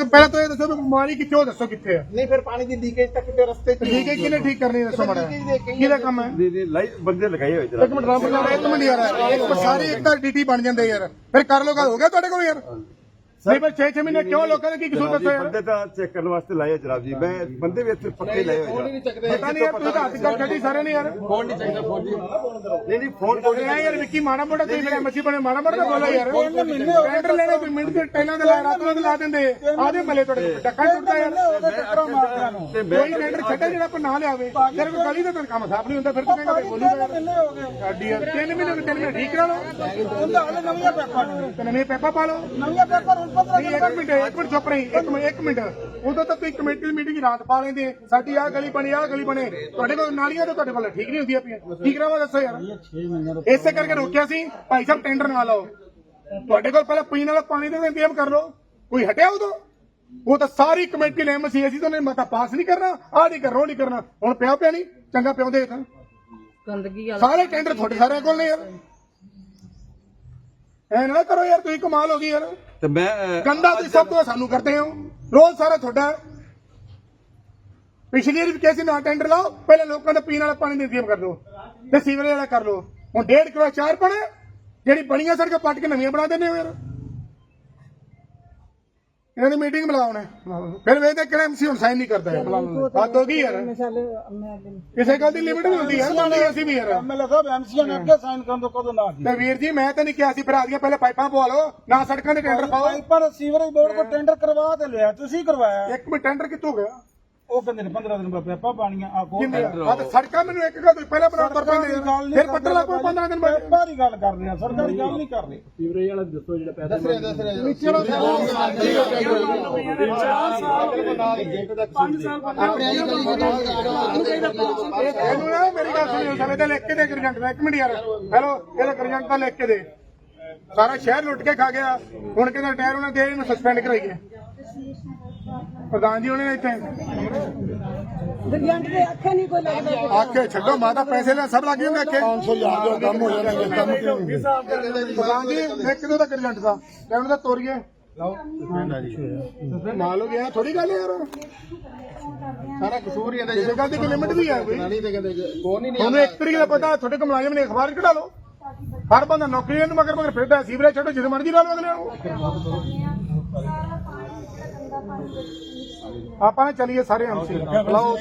ਪਹਿਲਾਂ ਤਾਂ ਇਹ ਦੱਸੋ ਵੀ ਬਿਮਾਰੀ ਕਿੱਥੋਂ ਦੱਸੋ ਕਿੱਥੇ ਹੈ ਨਹੀਂ ਫਿਰ ਪਾਣੀ ਦੀ ਲੀਕੇਜ ਤਾਂ ਕਿਤੇ ਰਸਤੇ 'ਚ ਲੀਕੇਜ ਕਿਹਨੇ ਠੀਕ ਕਰਨੀ ਦੱਸੋ ਮਾੜਾ ਕਿਹਦਾ ਕੰਮ ਹੈ ਬੰਦੇ ਲਗਾਏ ਹੋਏ ਇੱਕ ਮਿੰਟ ਰਾਮ ਇੱਕ ਮਿੰਟ ਯਾਰ ਇੱਕ ਸਾਰੇ ਇੱਕ ਤਾਂ ਡੀਟੀ ਬਣ ਜਾਂਦੇ ਯਾਰ ਫਿਰ ਕਰ ਲੋ ਗੱਲ ਹੋ ਗਿਆ ਤੁਹਾਡੇ ਕੋਲ ਯਾਰ ਨਹੀਂ ਪਰ 6 ਮਹੀਨੇ ਕਿਉਂ ਲੋਕਾਂ ਨੇ ਕੀ ਕਸੂਰ ਦੱਸੋ ਯਾਰ ਬੰਦੇ ਤਾਂ ਚੈੱਕ ਕਰਨ ਵਾਸਤੇ ਲਾਏ ਜਨਾਬ ਜੀ ਮੈਂ ਬੰਦੇ ਵੀ ਇੱਥੇ ਪੱਕੇ ਲਾਏ ਹੋਏ ਪਤਾ ਨਹੀਂ ਯਾਰ ਤੁਸੀਂ ਤਾਂ ਹੱਥ ਕਰ ਛੱਡੀ ਸਾਰੇ ਨੇ ਯਾਰ ਫੋਨ ਨਹੀਂ ਚਾਹੀਦਾ ਫੋਨ ਜੀ ਨਹੀਂ ਫੋਨ ਬੋਲਿਆ ਯਾਰ ਵਿੱਕੀ ਮਾੜਾ ਮੋਟਾ ਤੁਸੀਂ ਮੇਰੇ ਮੱਛੀ ਬਣੇ ਮਾੜਾ ਮੋਟਾ ਬੋਲਾ ਯਾਰ ਟੈਂਡਰ ਲੈਣੇ ਕੋਈ ਮਿੰਟ ਦੇ ਟੈਲਾਂ ਦੇ ਲਾ ਰਾਤਾਂ ਦੇ ਲਾ ਦਿੰਦੇ ਆਦੇ ਮਲੇ ਤੁਹਾਡੇ ਡੱਕਾ ਟੁੱਟਦਾ ਯਾਰ ਕੋਈ ਟੈਂਡਰ ਛੱਡੇ ਜਿਹੜਾ ਆਪਾਂ ਨਾ ਲਿਆਵੇ ਫਿਰ ਕੋਈ ਗਲੀ ਦਾ ਤਾਂ ਕੰਮ ਸਾਫ ਨਹੀਂ ਹੁੰਦਾ ਫਿਰ ਤਾਂ ਕਹਿੰਦੇ ਬੋਲੂਗਾ ਸਾਡੀ ਯਾਰ 3 ਮਹੀਨੇ ਠੀਕ ਕਰਾ ਲਓ ਤੇ ਨਵੇਂ ਪੈਪਾ ਪਾ ਲਓ ਇੱਕ ਮਿੰਟ ਚੁੱਪ ਰਹੀ ਇੱਕ ਮਿੰਟ ਉਦੋਂ ਤਾਂ ਤੁਸੀਂ ਕਮੇਟੀ ਦੀ ਮੀਟਿੰਗ ਰਾਤ ਪਾ ਲੈਂਦੇ ਸਾਡੀ ਆਹ ਗਲੀ ਬਣੇ ਤੁਹਾਡੇ ਕੋਲ ਨਾਲੀਆਂ ਤਾਂ ਤੁਹਾਡੇ ਕੋਲ ਠੀਕ ਨਹੀਂ ਹੁੰਦੀਆਂ ਪਈਆਂ ਠੀਕ ਕਰਾਵਾ ਦੱਸੋ ਯਾਰ ਇਸੇ ਕਰਕੇ ਰੋਕਿਆ ਸੀ ਭਾਈ ਸਾਹਿਬ ਟੈਂਡਰ ਨਾ ਲਾਓ ਤੁਹਾਡੇ ਕੋਲ ਪਹਿਲਾਂ ਪੀਣ ਵਾਲਾ ਪਾਣੀ ਦਾ ਇੰਤਜ਼ਾਮ ਕਰ ਲਓ ਕੋਈ ਹਟਿਆ ਉਦੋਂ ਉਹ ਤਾਂ ਸਾਰੀ ਕਮੇਟੀ ਨੇ ਐਮਸੀ ਅਸੀਂ ਤਾਂ ਮਤਾ ਪਾਸ ਨਹੀਂ ਕਰਨਾ ਆਹ ਨਹੀਂ ਕਰਨਾ ਉਹ ਨਹੀਂ ਕਰਨਾ ਹੁਣ ਪਿਆ ਨਹੀਂ ਚੰਗਾ ਪਿਆਉਂਦੇ ਤਾਂ ਗੰਦਗੀ ਸਾਰੇ ਟੈਂਡਰ ਤੁਹਾਡੇ ਸਾਰਿਆਂ ਕੋਲ ਨੇ ਯਾਰ ਐ ਨਾ ਕਰੋ ਯਾਰ ਤੁਸੀਂ ਕਮਾਲ ਹੋ ਗਈ ਯਾਰ ਤੇ ਮੈਂ ਗੰਦਾ ਤੁਸੀਂ ਸਭ ਤੋਂ ਸਾਨੂੰ ਕਰਦੇ ਹੋ ਰੋਜ਼ ਸਾਰਾ ਤੁਹਾਡਾ ਪਿਛਲੀ ਵਾਰੀ ਵੀ ਕਿਹਾ ਸੀ ਨਾ ਟੈਂਡਰ ਲਾਓ ਪਹਿਲੇ ਲੋਕਾਂ ਦਾ ਪੀਣ ਵਾਲਾ ਪਾਣੀ ਦਾ ਇੰਤਜ਼ਾਮ ਕਰ ਲਓ ਤੇ ਸੀਵਰੇਜ ਵਾਲਾ ਕਰ ਲਓ ਹੁਣ 1.5 ਕਿਲੋ 4 ਪਣੇ ਜਿਹੜੀ ਬਣੀਆਂ ਸੜਕਾਂ ਪੱਟ ਕੇ ਨਵੀਆਂ ਬਣਾ ਦਿੰਦੇ ਹੋ ਯਾਰ ਇਹਨਾਂ ਦੀ ਮੀਟਿੰਗ ਬੁਲਾਉਣਾ ਫਿਰ ਵੇਖਦੇ ਕਿਹੜਾ ਐਮਸੀ ਹੁਣ ਸਾਈਨ ਨਹੀਂ ਕਰਦਾ ਹੱਦ ਹੋ ਗਈ ਯਾਰ ਕਿਸੇ ਗੱਲ ਦੀ ਲਿਮਿਟ ਵੀ ਹੁੰਦੀ ਹੈ ਅਸੀਂ ਵੀ ਯਾਰ ਐਮਐਲਏ ਸਾਹਿਬ ਐਮਸੀਆਂ ਨੇ ਅੱਗੇ ਸਾਈਨ ਕਰਨ ਤੋਂ ਕਦੋਂ ਨਾ ਤੇ ਵੀਰ ਜੀ ਮੈਂ ਤਾਂ ਨਹੀਂ ਕਿਹਾ ਸੀ ਫਿਰ ਆ ਗਿਆ ਪਹਿਲੇ ਪਾਈਪਾਂ ਪਵਾ ਲਓ ਨਾ ਸੜਕਾਂ ਦੇ ਟੈਂਡਰ ਪਾਓ ਪਰ ਸੀਵਰੇਜ ਬੋਰਡ ਕੋ ਟੈਂਡਰ ਕਰਵਾ ਤੇ ਲਿਆ ਤੁਸੀਂ ਕਰਵਾਇਆ ਇੱਕ ਮਿੰਟ ਟੈਂਡਰ ਕਿੱਥੋਂ ਗਿਆ ਉਹ ਕਹਿੰਦੇ ਨੇ 15 ਦਿਨ ਬਾਅਦ ਪੈਪਾ ਪਾਣੀਆਂ ਆ ਕੋ ਸੜਕਾਂ ਮੈਨੂੰ ਇੱਕ ਗੱਲ ਪਹਿਲਾਂ ਬਰਾਬਰ ਪੈਂਦੇ ਫਿਰ ਪੱਟਰ ਲਾ ਕੋਈ 15 ਦਿਨ ਬਾਅਦ ਪੈਪਾ ਦੀ ਗੱਲ ਕਰਦੇ ਆ ਸਰਕਾਰੀ ਗੱਲ ਨਹੀਂ ਕਰਦੇ ਸੀਵਰੇਜ ਵਾਲਾ ਦੱਸੋ ਜਿਹੜਾ ਪੈਸਾ ਦੱਸ ਰਿਹਾ ਮੇਰੀ ਗੱਲ ਸੁਣਿਓ ਸਾਰੇ ਤਾਂ ਲਿਖ ਕੇ ਦੇ ਗਰਜੰਟ ਦਾ ਇੱਕ ਮਿੰਟ ਯਾਰ ਹੈਲੋ ਇਹਦਾ ਗਰਜੰਟ ਦਾ ਲਿਖ ਕੇ ਦੇ ਸਾਰਾ ਸ਼ਹਿਰ ਲੁੱਟ ਕੇ ਖਾ ਗਿਆ ਹੁਣ ਕਹਿੰਦਾ ਟਾਇਰ ਉਹਨਾਂ ਦੇ ਇਹਨੂੰ ਸਸਪੈਂਡ ਕਰਾਈਏ ਪ੍ਰਧਾਨ ਜੀ ਉਹਨੇ ਇੱਥੇ ਗਰਜੰਟ ਦੇ ਅੱਖੇ ਨਹੀਂ ਕੋਈ ਲੱਗਦਾ ਆਖੇ ਛੱਡੋ ਮਾਤਾ ਪੈਸੇ ਲੈ ਸਭ ਲੱਗ ਜਾਂਦੇ ਆਖੇ 500 ਲਿਆ ਕੰਮ ਹੋ ਜਾਣਾ ਪ੍ਰਧਾਨ ਜੀ ਮੈਂ ਕਿਦੋਂ ਦਾ ਗਰਜੰਟ ਦਾ ਕਹਿੰਦਾ ਦਾ ਤੋਰੀਏ ਨਾਲ ਹੋ ਗਿਆ ਥੋੜੀ ਗੱਲ ਯਾਰ ਸਾਰਾ ਕਸੂਰ ਹੀ ਇਹਦਾ ਇਸ ਗੱਲ ਦੀ ਕੋਈ ਲਿਮਿਟ ਵੀ ਹੈ ਕੋਈ ਤੁਹਾਨੂੰ ਇੱਕ ਤਰੀਕੇ ਦਾ ਪਤਾ ਤੁਹਾਡੇ ਕੋਲ ਮੁਲਾਜ਼ਮ ਨੇ ਅਖਬਾਰ ਕਢਾ ਲਓ ਹਰ ਬੰਦਾ ਨੌਕਰੀ ਨੂੰ ਮਗਰ ਫਿਰਦਾ ਸੀਵਰੇਜ ਛੱਡੋ ਜਿੱਦ ਮਰਜ਼ੀ ਲਾ ਲਓ ਅਗਲੇ ਨੂੰ ਆਪਾਂ ਨੇ ਚਲੀਏ ਸਾਰੇ ਐਮਸੀ ਬੁਲਾਓ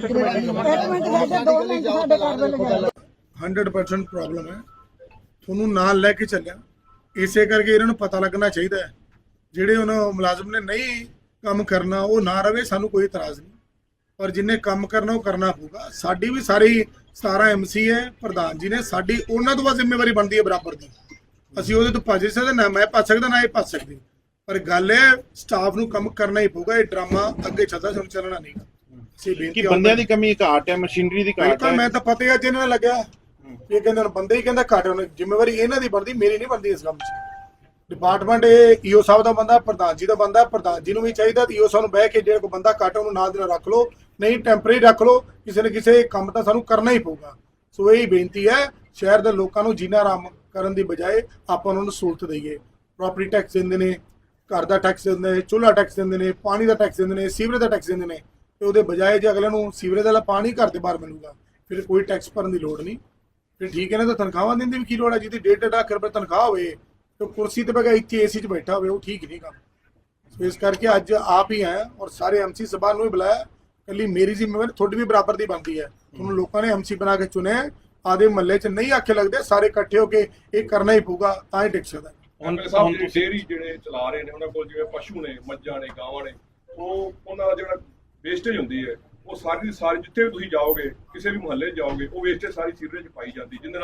100% ਪ੍ਰੋਬਲਮ ਹੈ ਤੁਹਾਨੂੰ ਨਾਲ ਲੈ ਕੇ ਚੱਲਿਆ ਇਸੇ ਕਰਕੇ ਇਹਨਾਂ ਨੂੰ ਪਤਾ ਲੱਗਣਾ ਚਾਹੀਦਾ ਹੈ ਜਿਹੜੇ ਉਹਨਾਂ ਮੁਲਾਜ਼ਮ ਨੇ ਨਹੀਂ ਕੰਮ ਕਰਨਾ ਉਹ ਨਾ ਰਵੇ ਸਾਨੂੰ ਕੋਈ ਇਤਰਾਜ਼ ਨਹੀਂ ਪਰ ਜਿੰਨੇ ਕੰਮ ਕਰਨਾ ਉਹ ਕਰਨਾ ਪਊਗਾ ਸਾਡੀ ਵੀ ਸਾਰੀ 17 ਐਮਸੀ ਹੈ ਪ੍ਰਧਾਨ ਜੀ ਨੇ ਸਾਡੀ ਉਹਨਾਂ ਤੋਂ ਬਾਅਦ ਜ਼ਿੰਮੇਵਾਰੀ ਬਣਦੀ ਹੈ ਬਰਾਬਰ ਦੀ ਅਸੀਂ ਉਹਦੇ ਤੋਂ ਭੱਜ ਸਕਦੇ ਨਾ ਮੈਂ ਭੱਜ ਸਕਦਾ ਨਾ ਇਹ ਭੱਜ ਸਕਦੀ ਪਰ ਗੱਲ ਹੈ ਸਟਾਫ ਨੂੰ ਕੰਮ ਕਰਨਾ ਹੀ ਪਊਗਾ ਇਹ ਡਰਾਮਾ ਅੱਗੇ ਚੱਲਦਾ ਸਾਨੂੰ ਚੱਲਣਾ ਨਹੀਂ ਅਸੀਂ ਬੇਨਤੀ ਕਿ ਬੰਦਿਆਂ ਦੀ ਕਮੀ ਘਾਟ ਹੈ ਮਸ਼ੀਨਰੀ ਦੀ ਘਾਟ ਹੈ ਮੈਂ ਤਾਂ ਪਤਾ ਹੈ ਜਿਹਨਾਂ ਨਾਲ ਲੱਗਿਆ ਇਹ ਕਹਿੰਦੇ ਬੰਦੇ ਹੀ ਕਹਿੰਦਾ ਘਾਟ ਉਹਨੇ ਜ਼ਿੰਮੇਵਾਰੀ ਇਹਨਾਂ ਦੀ ਬਣਦੀ ਮੇਰੀ ਨਹੀਂ ਬਣਦੀ ਇਸ ਕੰਮ 'ਚ ਡਿਪਾਰਟਮੈਂਟ ਇਹ ਈਓ ਸਾਹਿਬ ਦਾ ਬੰਦਾ ਪ੍ਰਧਾਨ ਜੀ ਦਾ ਬੰਦਾ ਪ੍ਰਧਾਨ ਜੀ ਨੂੰ ਵੀ ਚਾਹੀਦਾ ਈਓ ਸਾਹਿਬ ਨੂੰ ਬਹਿ ਕੇ ਜਿਹੜਾ ਕੋਈ ਬੰਦਾ ਘੱਟ ਉਹਨੂੰ ਨਾਲ ਦੀ ਨਾਲ ਰੱਖ ਲਓ ਨਹੀਂ ਟੈਂਪਰੇਰੀ ਰੱਖ ਲਓ ਕਿਸੇ ਨਾ ਕਿਸੇ ਕੰਮ ਤਾਂ ਸਾਨੂੰ ਕਰਨਾ ਹੀ ਪਊਗਾ ਸੋ ਇਹ ਬੇਨਤੀ ਹੈ ਸ਼ਹਿਰ ਦੇ ਲੋਕਾਂ ਨੂੰ ਜੀਣਾ ਆਰਾਮ ਕਰਨ ਦੀ ਬਜਾਏ ਆਪਾਂ ਉਹਨਾਂ ਨੂੰ ਸਹੂਲਤ ਦਈਏ ਪ੍ਰਾਪਰਟੀ ਟੈਕਸ ਦਿੰਦੇ ਨੇ ਘਰ ਦਾ ਟੈਕਸ ਦਿੰਦੇ ਨੇ ਚੁੱਲ੍ਹਾ ਟੈਕਸ ਦਿੰਦੇ ਨੇ ਪਾਣੀ ਦਾ ਟੈਕਸ ਦਿੰਦੇ ਨੇ ਸੀਵਰੇਜ ਦਾ ਟੈਕਸ ਦਿੰਦੇ ਨੇ ਤੇ ਉਹਦੇ ਬਜਾਏ ਜੇ ਅਗਲੇ ਨੂੰ ਸੀਵਰੇਜ ਵਾਲਾ ਪਾਣੀ ਘਰ ਦੇ ਬਾਹਰ ਮਿਲੂਗਾ ਫਿਰ ਕੋਈ ਟੈਕਸ ਭਰਨ ਦੀ ਲੋੜ ਨਹੀਂ ਫਿਰ ਠੀਕ ਹੈ ਨਾ ਤਾਂ ਤਨਖਾਹਾਂ ਦਿੰਦੀ ਵੀ ਕੀ ਲੋੜ ਹੈ ਜਿਹਦੀ 1.5 ਲੱਖ ਰੁਪਏ ਤਨਖਾਹ ਹੋਵੇ ਤੇ ਕੁਰਸੀ ਤੇ ਬੈਠਾ ਇੱਥੇ ਏਸੀ 'ਚ ਬੈਠਾ ਹੋਵੇ ਉਹ ਠੀਕ ਨਹੀਂ ਕੰਮ ਸੋ ਇਸ ਕਰਕੇ ਅੱਜ ਆਪ ਹੀ ਆਏ ਔਰ ਸਾਰੇ ਐਮਸੀ ਸਭਾ ਨੂੰ ਵੀ ਬੁਲਾਇਆ ਕੱਲੀ ਮੇਰੀ ਜ਼ਿੰਮੇਵਾਰੀ ਤੁਹਾਡੀ ਵੀ ਬਰਾਬਰ ਦੀ ਬਣਦੀ ਹੈ ਤੁਹਾਨੂੰ ਲੋਕਾਂ ਨੇ ਐਮਸੀ ਬਣਾ ਕੇ ਚੁਣਿਆ ਆਦੇ ਮਹੱਲੇ 'ਚ ਨਹੀਂ ਆਖੇ ਲੱਗਦੇ ਸਾਰੇ ਇਕੱਠੇ ਹੋ ਕੇ ਇਹ ਕਰਨਾ ਹੀ ਪਊਗਾ ਤਾਂ ਹੀ ਟਿਕ ਸਕਦਾ ਐਮਐਲਏ ਸਾਹਿਬ ਡੇਅਰੀ ਜਿਹੜੇ ਚਲਾ ਰਹੇ ਨੇ ਉਹਨਾਂ ਕੋਲ ਜਿਵੇਂ ਪਸ਼ੂ ਨੇ ਮੱਝਾਂ ਨੇ ਗਾਵਾਂ ਨੇ ਉਹ ਉਹਨਾਂ ਦਾ ਜਿਹੜਾ ਵੇਸਟੇਜ ਹੁੰਦੀ ਹੈ ਉਹ ਸਾਰੀ ਦੀ ਸਾਰੀ ਜਿੱਥੇ ਵੀ ਤੁਸੀਂ ਜਾਓਗੇ ਕਿਸੇ ਵੀ ਮੁਹੱਲੇ 'ਚ ਜਾਓਗੇ ਉਹ ਵੇਸਟੇਜ ਸਾਰੀ ਸੀਵਰੇਜ 'ਚ ਪਾਈ ਜਾਂਦੀ ਜਿਹਦੇ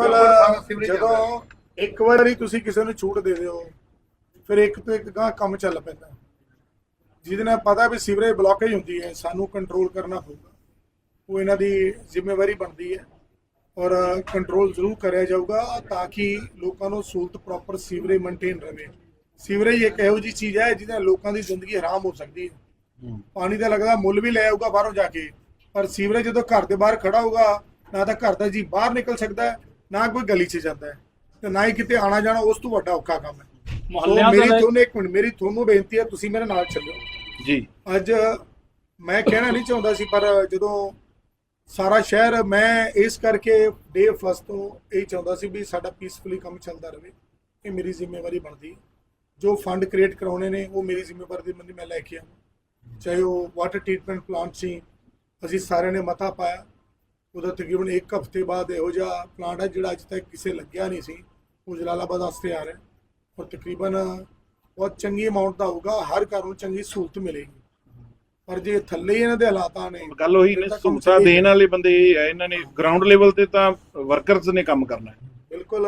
ਨਾਲ ਜਦੋਂ ਇੱਕ ਵਾਰੀ ਤੁਸੀਂ ਕਿਸੇ ਨੂੰ ਛੂਟ ਦੇ ਦਿਓ ਫਿਰ ਇੱਕ ਤੋਂ ਇੱਕ ਗਾਂ ਕੰਮ ਚੱਲ ਪੈਂਦਾ ਜਿਹਦੇ ਨਾਲ ਪਤਾ ਵੀ ਸੀਵਰੇਜ ਬਲੌਕੇਜ ਹੁੰਦੀ ਹੈ ਸਾਨੂੰ ਕੰਟਰੋਲ ਕਰਨਾ ਪਊਗਾ ਉਹ ਇਹਨਾਂ ਦੀ ਜ਼ਿੰਮੇਵਾਰੀ ਬਣਦੀ ਹੈ ਔਰ ਕੰਟਰੋਲ ਜ਼ਰੂਰ ਕਰਿਆ ਜਾਊਗਾ ਤਾਂ ਕਿ ਲੋਕਾਂ ਨੂੰ ਸਹੂਲਤ ਪ੍ਰੋਪਰ ਸੀਵਰੇਜ ਮੇਨਟੇਨ ਰਹੇ ਸੀਵਰੇਜ ਇੱਕ ਇਹੋ ਜਿਹੀ ਚੀਜ਼ ਹੈ ਜਿਹਦੇ ਨਾਲ ਲੋਕਾਂ ਦੀ ਜ਼ਿੰਦਗੀ ਹਰਾਮ ਹੋ ਸਕਦੀ ਹੈ ਪਾਣੀ ਦਾ ਲੱਗਦਾ ਮੁੱਲ ਵੀ ਲੈ ਆਊਗਾ ਬਾਹਰੋਂ ਜਾ ਕੇ ਪਰ ਸੀਵਰੇਜ ਜਦੋਂ ਘਰ ਦੇ ਬਾਹਰ ਖੜਾ ਹੋਊਗਾ ਨਾ ਤਾਂ ਘਰ ਦਾ ਜੀ ਬਾਹਰ ਨਿਕਲ ਸਕਦਾ ਹੈ ਨਾ ਕੋਈ ਗਲੀ 'ਚ ਜਾਂਦਾ ਹੈ ਤੇ ਨਾ ਹੀ ਕਿਤੇ ਆਣਾ ਜਾਣਾ ਉਸ ਤੋਂ ਵੱਡਾ ਔਖਾ ਕੰਮ ਹੈ ਮੇਰੀ ਤੁਹਾਨੂੰ ਬੇਨਤੀ ਹੈ ਤੁਸੀਂ ਮੇਰੇ ਨਾਲ ਚੱਲੋ ਜੀ ਅੱਜ ਮੈਂ ਕਹਿਣਾ ਨਹੀਂ ਚਾਹੁੰਦਾ ਸੀ, ਪਰ ਜਦੋਂ ਸਾਰਾ ਸ਼ਹਿਰ, ਮੈਂ ਇਸ ਕਰਕੇ ਡੇ ਫਸਟ ਤੋਂ ਇਹ ਚਾਹੁੰਦਾ ਸੀ ਵੀ ਸਾਡਾ ਪੀਸਫੁਲੀ ਕੰਮ ਚੱਲਦਾ ਰਹੇ। ਇਹ ਮੇਰੀ ਜ਼ਿੰਮੇਵਾਰੀ ਬਣਦੀ। ਜੋ ਫੰਡ ਕ੍ਰੀਏਟ ਕਰਾਉਣੇ ਨੇ ਉਹ ਮੇਰੀ ਜ਼ਿੰਮੇਵਾਰੀ ਦੀ ਮੈਂ ਲੈ ਕੇ ਆਵਾਂ। ਚਾਹੇ ਉਹ ਵਾਟਰ ਟ੍ਰੀਟਮੈਂਟ ਪਲਾਂਟ ਸੀ, ਅਸੀਂ ਸਾਰਿਆਂ ਨੇ ਮਤਾ ਪਾਇਆ, ਉਹਦਾ ਤਕਰੀਬਨ 1 ਹਫ਼ਤੇ ਬਾਅਦ ਇਹੋ ਜਿਹਾ ਪਲਾਂਟ ਹੈ ਜਿਹੜਾ ਅੱਜ ਤੱਕ ਕਿਸੇ ਲੱਗਿਆ ਨਹੀਂ ਸੀ, ਉਹ ਜਲਾਲਾਬਾਦ ਵਾਸਤੇ ਆ ਰਿਹਾ, ਔਰ ਤਕਰੀਬਨ ਬਹੁਤ ਚੰਗੀ ਅਮਾਉਂਟ ਦਾ ਹੋਊਗਾ, ਹਰ ਘਰ ਨੂੰ ਚੰਗੀ ਸਹੂਲਤ ਮਿਲੇਗੀ। ਪਰ ਜੇ ਥੱਲੇ ਹੀ ਇਹਨਾਂ ਦੇ ਹਾਲਾਤਾਂ ਨੇ, ਗੱਲ ਉਹੀ ਨੇ, ਸਹੂਲਤਾਂ ਦੇਣ ਵਾਲੇ ਬੰਦੇ ਇਹ ਹੈ, ਇਹਨਾਂ ਨੇ ਗਰਾਊਂਡ ਲੈਵਲ ਤੇ ਤਾਂ ਵਰਕਰਸ ਨੇ ਕੰਮ ਕਰਨਾ ਹੈ। ਬਿਲਕੁਲ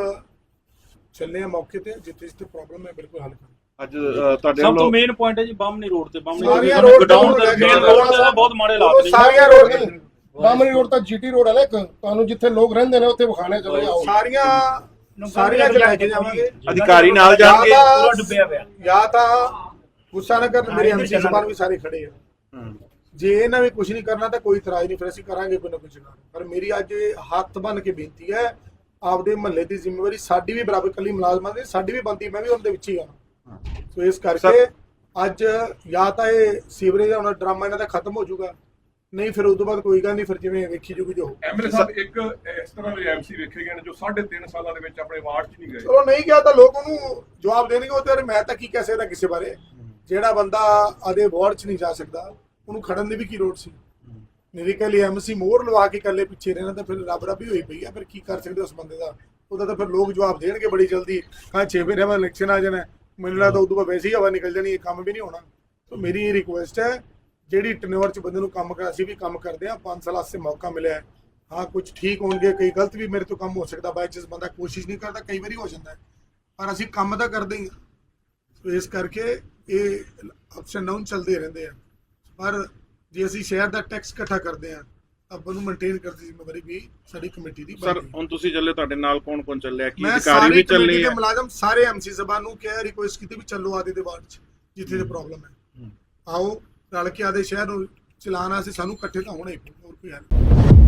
ਚੱਲੇ ਆ ਮੌਕੇ ਤੇ, ਜਿੱਥੇ ਜਿੱਥੇ ਪ੍ਰੋਬਲਮ ਹੈ ਬਿਲਕੁਲ ਹੱਲ ਕਰਾਂਗੇ। ਅੱਜ ਤੁਹਾਡੇ ਸਭ ਤੋਂ ਵੱਲੋਂ ਮੇਨ ਪੁਆਇੰਟ ਹੈ ਜੀ ਬਾਮਣੀ ਰੋਡ ਤੇ ਸਾਰੀਆਂ road ਗਡਾਊਨ ਤੇ ਤੇ ਮੇਨ ਰੋਡ ਤੇ ਤਾਂ ਬਹੁਤ ਮਾੜੇ ਹਾਲਾਤ ਨੇ। ਸਾਰੀਆਂ ਰੋਡ ਤੇ ਬਾਮਣੀ ਰੋਡ ਤਾਂ ਜੀਟੀ ਰੋਡ ਹੈ ਨਾ, ਇੱਕ ਤੁਹਾਨੂੰ ਜਿੱਥੇ ਲੋਕ ਰਹਿੰਦੇ ਨੇ ਉੱਥੇ ਵਿਖਾਣੇ ਚਲੇ ਜਾਓ। ਸਾਰੀਆਂ ਚ ਲੈ ਕੇ ਜਾਵਾਂਗੇ। ਅਧਿਕਾਰੀ ਨਾਲ ਜਾਣਗੇ। ਪੂਰਾ ਡੁੱਬਿਆ ਪਿਆ। ਜਾਂ ਤਾਂ ਗੁੱਸਾ ਨਾ ਕਰਨ, ਮੇਰੇ ਐਮਸੀ ਸਾਹਿਬਾਨ ਵੀ ਸਾਰੇ ਖੜੇ ਆ, ਜੇ ਇਹਨਾਂ ਵੀ ਕੁਝ ਨਹੀਂ ਕਰਨਾ ਤਾਂ ਕੋਈ ਇਤਰਾਜ਼ ਨਹੀਂ, ਫਿਰ ਅਸੀਂ ਕਰਾਂਗੇ ਕੋਈ ਨਾ ਕੁਝ। ਪਰ ਮੇਰੀ ਅੱਜ ਹੱਥ ਬੰਨ ਕੇ ਬੇਨਤੀ ਹੈ, ਆਪਦੇ ਮਹੱਲੇ ਦੀ ਜ਼ਿੰਮੇਵਾਰੀ ਸਾਡੀ ਵੀ ਬਰਾਬਰ, ਕੱਲੀ ਮੁਲਾਜ਼ਮਾਂ ਦੀ ਸਾਡੀ ਵੀ ਬਣਦੀ, ਮੈਂ ਵੀ ਉਹਨਾਂ ਦੇ ਵਿੱਚ ਹੀ ਆ। ਸੋ ਇਸ ਕਰਕੇ ਅੱਜ ਜਾਂ ਤਾਂ ਇਹ ਸੀਵਰੇਜ ਦਾ ਹੁਣ ਡਰਾਮਾ ਇਹਨਾਂ ਦਾ ਖਤਮ ਹੋ ਜਾਊਗਾ, ਨਹੀਂ ਫਿਰ ਉਸ ਤੋਂ ਬਾਅਦ ਕੋਈ ਗੱਲ ਨਹੀਂ, ਫਿਰ ਜਿਵੇਂ ਵੇਖੀ ਜੂਗੀ ਜੋ। ਐਮਐਲਏ ਸਾਹਿਬ ਇੱਕ ਇਸ ਤਰ੍ਹਾਂ ਦੇ ਐਮਸੀ ਵੇਖੇ ਗਏ ਨੇ ਜੋ 3.5 ਸਾਲਾਂ ਦੇ ਵਿੱਚ ਆਪਣੇ ਵਾਰਡ 'ਚ ਨਹੀਂ ਗਏ। ਚਲੋ ਨਹੀਂ ਗਿਆ ਤਾਂ ਲੋਕ ਉਹਨੂੰ ਜਵਾਬ ਦੇਣਗੇ, ਉਹ ਤੇ ਮੈਂ ਤਾਂ ਕੀ ਕਹਿ ਸਕਦਾ ਕਿਸੇ ਬਾਰੇ। ਜਿਹੜਾ ਬੰਦਾ ਆਦੇ ਵਾਰਡ 'ਚ ਨਹੀਂ ਜਾ ਸਕਦਾ ਉਹਨੂੰ ਖੜਨ ਦੀ ਵੀ ਕੀ ਲੋੜ ਸੀ। ਮੇਰੇ ਕੋਲ ਐਮਸੀ ਮੋਹਰ ਲਵਾ ਕੇ ਇਕੱਲੇ ਪਿੱਛੇ ਰਹਿਣਾ ਤਾਂ ਫਿਰ ਰੱਬ ਰੱਬੀ ਹੋਈ ਪਈ ਆ, ਫਿਰ ਕੀ ਕਰ ਸਕਦੇ ਉਸ ਬੰਦੇ ਦਾ। ਉਹਦਾ ਤਾਂ ਫਿਰ ਲੋਕ ਜਵਾਬ ਦੇਣਗੇ ਬੜੀ ਜਲਦੀ, 6 ਮਹੀਨੇ ਬਾਅਦ ਇਲੈਕਸ਼ਨ ਆ ਜਾਣਾ, ਮੈਨੂੰ ਲੱਗਦਾ ਉਦੋਂ ਬਾਅਦ ਵੈਸੇ ਹੀ ਹਵਾ ਨਿਕਲ ਜਾਣੀ, ਇਹ ਕੰਮ ਵੀ ਨਹੀਂ ਹੋਣਾ। ਸੋ ਮੇਰੀ ਇਹ ਰਿਕੁਐਸਟ ਹੈ, ਜਿਹੜੀ ਟਨੋਰ 'ਚ ਬੰਦੇ ਨੂੰ ਕੰਮ ਕਰ, ਅਸੀਂ ਵੀ ਕੰਮ ਕਰਦੇ ਹਾਂ, 5 ਸਾਲ ਵਾਸਤੇ ਮੌਕਾ ਮਿਲਿਆ। ਹਾਂ ਕੁਝ ਠੀਕ ਹੋਣਗੇ, ਕਈ ਗਲਤ ਵੀ ਮੇਰੇ ਤੋਂ ਕੰਮ ਹੋ ਸਕਦਾ, ਬਾਈ ਚਾਂਸ ਬੰਦਾ ਕੋਸ਼ਿਸ਼ ਨਹੀਂ ਕਰਦਾ, ਕਈ ਵਾਰੀ ਹੋ ਜਾਂਦਾ ਹੈ, ਪਰ ਅਸੀਂ ਕੰਮ ਤਾਂ ਕਰਦੇ ਹੀ ਹਾਂ। ਸੋ ਇਸ ਕਰਕੇ ਇਹ ਅਪਸ ਐਂਡ ਡਾਊਨ ਚੱਲਦੇ ਰਹਿੰਦੇ ਆ, ਪਰ ਜੇ ਅਸੀਂ ਸ਼ਹਿਰ ਦਾ ਟੈਕਸ ਇਕੱਠਾ ਕਰਦੇ ਹਾਂ ਆਪਾਂ ਨੂੰ ਮੇਨਟੇਨ ਕਰਨ ਦੀ ਜ਼ਿੰਮੇਵਾਰੀ ਵੀ ਸਾਡੀ ਕਮੇਟੀ ਦੀ ਸਰ ਬਣਦੀ ਹੈ। ਹੁਣ ਤੁਸੀਂ ਚੱਲੇ, ਤੁਹਾਡੇ ਨਾਲ ਕੌਣ ਕੌਣ ਚੱਲਿਆ? ਕੀ ਮੈਂ ਅਧਿਕਾਰੀ ਸਾਰੇ ਵੀ ਕਮੇਟੀ ਚੱਲੇ ਦੇ ਆ? ਮੁਲਾਜ਼ਮ ਸਾਰੇ ਐਮਸੀ ਸਾਹਿਬਾਨ ਨੂੰ ਕਿਹਾ, ਰਿਕੁਐਸਟ ਕੀਤੀ ਵੀ ਚੱਲੋ ਆਦੇ ਦੇ ਵਾਰਡ 'ਚ ਜਿੱਥੇ ਦੀ ਪ੍ਰੋਬਲਮ ਹੈ, ਆਓ ਰਲ ਕੇ ਆਦੇ ਸ਼ਹਿਰ ਨੂੰ ਚਲਾਉਣਾ, ਅਸੀਂ ਸਾਨੂੰ ਇਕੱਠੇ ਤਾਂ ਹੋਣਾ ਹੀ ਪਊ, ਹੋਰ ਕੋਈ ਹੱਲ ਨਹੀਂ।